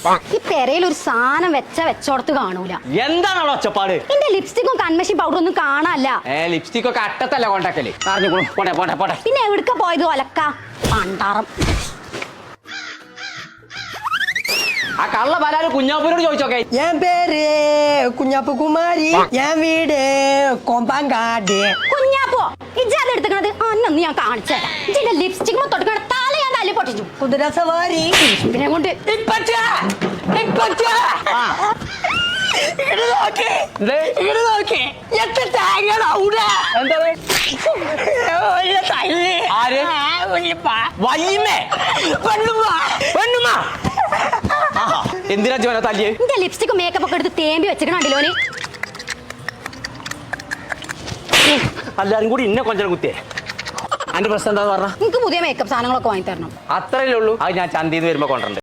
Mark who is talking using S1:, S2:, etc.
S1: ഈ പെരയിൽ ഒരു സാധനം വെച്ചോടത്ത് കാണൂല.
S2: എന്താണ് അവിടെ ഒച്ചപ്പാട്?
S1: എന്റെ ലിപ്സ്റ്റിക്കും കൺമഷി പൗഡർ ഒന്നും കാണാല്ല.
S2: ലിപ്സ്റ്റിക് ഒക്കെ അട്ടത്തല്ല കൊണ്ടാക്കല്. പോട്ടെ.
S1: പിന്നെ എവിടുക്ക പോയത് ഒലക്ക പണ്ടാറം.
S2: ആ കള്ള പലാല് കുഞ്ഞാപ്പൂരോട് ചോദിച്ചോക്കെ.
S3: என் பேரு കുഞ്ഞാപ്പു കുമാരി, என் വീട് കൊമ്പാങ്കാട്.
S1: കുഞ്ഞാപ്പോ ഇജ്ജാത് എടുക്കുന്നത് അന്നൊന്ന് ഞാൻ കാണിച്ചേരാ. ഇജ്ജിന്റെ ലിപ്സ്റ്റിക് തൊട്ടുകണ തല ഞാൻ തല്ലി പൊട്ടിച്ചു.
S3: കുതിരസവാരി
S1: പിന്നെ കൊണ്ട്
S2: എന്തിനാ ജോന തല്ലിയേ?
S1: എന്റെ ലിപ്സ്റ്റിക് മേക്കപ്പ് ഒക്കെ എടുത്ത് തേമ്പി വെച്ചിക്കണോന്.
S2: എല്ലാരും കൂടി ഇന്നെ കൊഞ്ചം കുത്തിയേ. അന്റെ പ്രശ്നം എന്താന്ന് പറഞ്ഞ?
S1: എനിക്ക് പുതിയ മേക്കപ്പ് സാധനങ്ങളൊക്കെ വാങ്ങി തരണം.
S2: അത്രയല്ലേ ഉള്ളൂ. അത് ഞാൻ ചന്തയിൽ നിന്ന് വരുമ്പോ കൊണ്ടുണ്ട്.